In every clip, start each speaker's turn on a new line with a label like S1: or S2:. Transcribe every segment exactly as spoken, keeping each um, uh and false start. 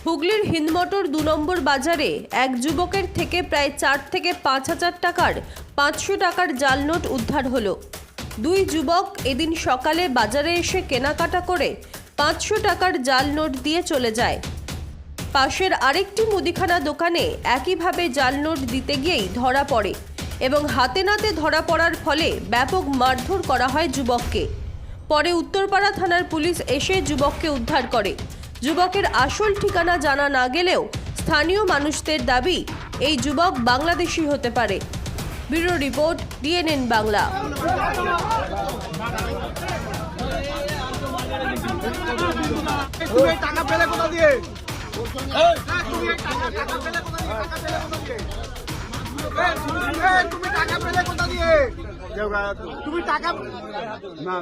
S1: হুগলির হিন্দমোটর দু নম্বর বাজারে এক যুবকের থেকে প্রায় চার থেকে পাঁচ হাজার টাকার পাঁচশো টাকার জাল নোট উদ্ধার হলো। দুই যুবক এদিন সকালে বাজারে এসে কেনাকাটা করে পাঁচশো টাকার জাল নোট দিয়ে চলে যায়। পাশের আরেকটি মুদিখানা দোকানে একইভাবে জাল নোট দিতে গিয়েই ধরা পড়ে এবং হাতে নাতে ধরা পড়ার ফলে ব্যাপক মারধর করা হয় যুবককে। পরে উত্তরপাড়া থানার পুলিশ এসে যুবককে উদ্ধার করে। যুবকের আসল ঠিকানা জানা না গেলেও স্থানীয় মানুষদের দাবি এই যুবক বাংলাদেশি হতে পারে। Bureau report, DNN Bangla.
S2: টাকা পেলে কোথা দিয়ে? তুমি টাকা পেলে কোথা দিয়ে? তুমি টাকা না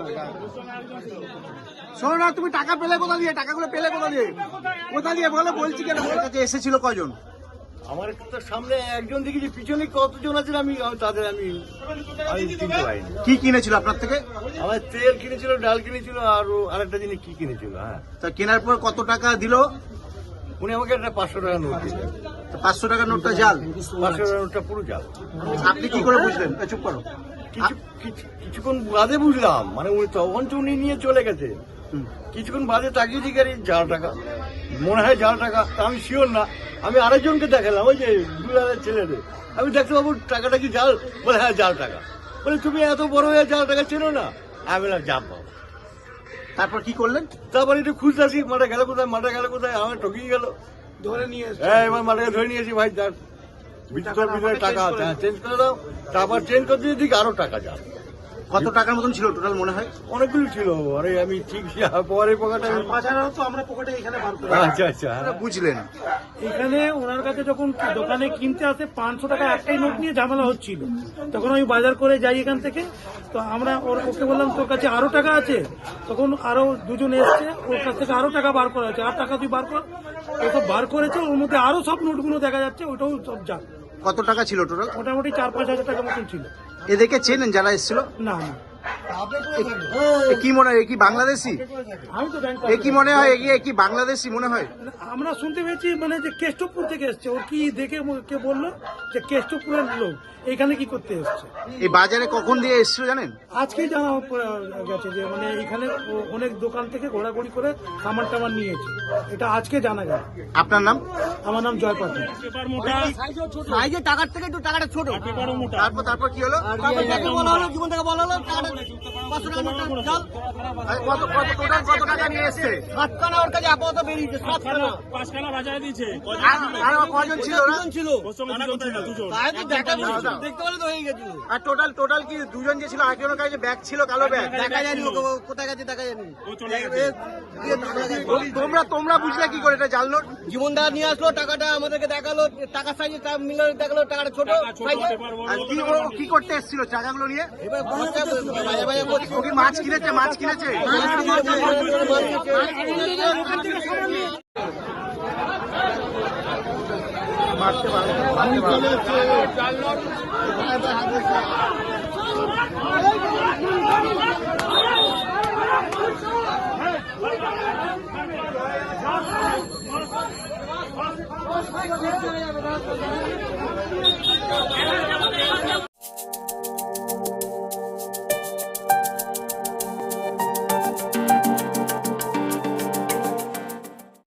S2: শোনো না, তুমি টাকা পেলে কোথা দিয়ে? টাকাগুলো পেলে কোথা দিয়ে? কোথা দিয়ে বলো, বলছি কেন? এসেছিল কজন?
S3: আমার তো সামনে একজন দেখেছি, পিছনে কতজন আছে আমি তাদের আমি আমি চিনতে পারিনি।
S2: কি কিনেছিল আপনার থেকে?
S3: আমার তেল কিনেছিল, ডাল কিনেছিল, আর আরেকটা জিনিস কি কিনেছিল। হ্যাঁ,
S2: তা কেনার পর কত টাকা দিল?
S3: উনি আমাকে একটা পাঁচশো টাকা নোট দিলেন।
S2: পাঁচশো টাকার নোটটা জাল?
S3: পাঁচশো টাকা নোটটা পুরো জাল।
S2: আপনি কি করে বুঝলেন? চুপ করো।
S3: কিছু কিছু- কিছুক্ষণ বাদে বুঝলাম, মানে উনি তখন তো উনি নিয়ে চলে গেছে। কিছুক্ষণ বাদে তাকিয়ে দিকে জাল টাকা, মনে হয় জাল টাকা, তা আমি শিওর না। আমি আরেকজনকে দেখালাম, ওই যে দুলালের ছেলেদের, আমি দেখতে পাবো টাকাটা কি জাল? বলে হ্যাঁ জাল টাকা। বলে তুমি এত বড় হয়ে জাল টাকা চেনো না? আমি বললাম যা পাবো।
S2: তারপর কি করলেন?
S3: তারপরে একটু খুঁজতে আসি, মাঠে গেল কোথায়, মাঠে গেল কোথায়, আমার ঠকিয়ে গেল,
S2: ধরে নিয়ে
S3: হ্যাঁ এবার মাঠে ধরে নিয়েছি। ভাই তার ভিতর ভিতরে টাকা আছে, হ্যাঁ চেঞ্জ করে দাও। তারপর চেঞ্জ করতে দিকে আরো টাকা যাবে।
S2: কত টাকার মতন ছিল টোটাল মনে হয়?
S3: অনেকগুলো ছিল। আরে আমি ঠিক পরে পকেটে
S2: আমরা পকেটে এখানে বার করে
S3: আচ্ছা আচ্ছা
S2: বুঝলেন।
S4: এখানে ওনার কাছে যখন দোকানে কিনতে আসে পাঁচশো টাকা একটাই নোট নিয়ে ঝামেলা হচ্ছিল, তখন আমি বাজার করে যাই এখান থেকে। তো আমরা ওর ওকে বললাম তোর কাছে আরো টাকা আছে, তখন আরো দুজন এসছে, ওর কাছ থেকে আরো টাকা বার করা আছে, আর টাকা তুই বার কর। ওসব বার করেছে, ওর মধ্যে আরো সব নোটগুলো দেখা যাচ্ছে, ওটাও সব যা
S2: কত টাকা ছিল টোটাল?
S4: মোটামুটি চার পাঁচ হাজার টাকা মতন ছিল।
S2: এদেরকে চেনেন যারা এসেছিল?
S4: না না,
S2: এ কি মনে হয়, এ কি বাংলাদেশি?
S4: আমি তো ব্যাংক
S2: এ কি মনে হয়, এ কি বাংলাদেশি মনে হয়?
S4: আমরা শুনতে পেয়েছি মানে যে কেষ্টপুর থেকে এসছে। ওর কি দেখে কে বললো যে কেষ্টপুরের লোক এখানে কি করতে এসছে।
S2: এই বাজারে কখন দিয়ে এসেছিল জানেন?
S4: আজকেই জানা গেছে যে মানে এখানে অনেক দোকান থেকে ঘোরাঘুরি করে সামান টামান নিয়েছে, এটা আজকে জানা গেল।
S2: আপনার নাম?
S4: আমার নাম জয় পাত্র।
S3: টাকার থেকে একটু টাকাটা ছোট।
S2: তারপর তারপর কি হলো?
S3: বলা হলো জীবন থেকে বলা হলো টাকাটা পাঁচশো টাকা নোটটা জাল।
S2: কত কত টোটাল কত টাকা নিয়ে এসছে?
S3: সাতখানা ওর কাছে আপাতত বেরিয়েছে, সাতখানা।
S5: পাঁচখানা বাজারে দিয়েছে।
S2: আর- আর কজন ছিল ওরা?
S3: ছিল
S5: ওর সঙ্গে দুজন ছিল, দুজন।
S3: তাই তো দেখা দেখতে পেলে তো হয়ে গেছিল।
S2: আর টোটাল টোটাল কি দুজন যে ছিল, একজনের কাছে ব্যাগ ছিল, কালো ব্যাগ?
S3: দেখা যায়নি ও কোথায় গেছে, দেখা যায়নি।
S5: ও চলে গেছে।
S2: তোমরা তোমরা বুঝলে কি করে এটা জাল নোট?
S3: জীবন দা নিয়ে আসলো টাকাটা, আমাদেরকে দেখালো টাকা সাইজে মিলে দেখালো টাকাটা ছোট সাইজে।
S2: আর কি ও কি করতে এসেছিল টাকাগুলো নিয়ে?
S3: এবার খরচা বাজে বাজে করছে।
S2: ও কি মাছ কিনেছে? মাছ কিনেছে? মারতে পারে, মারতে পারে।
S5: যাবে না।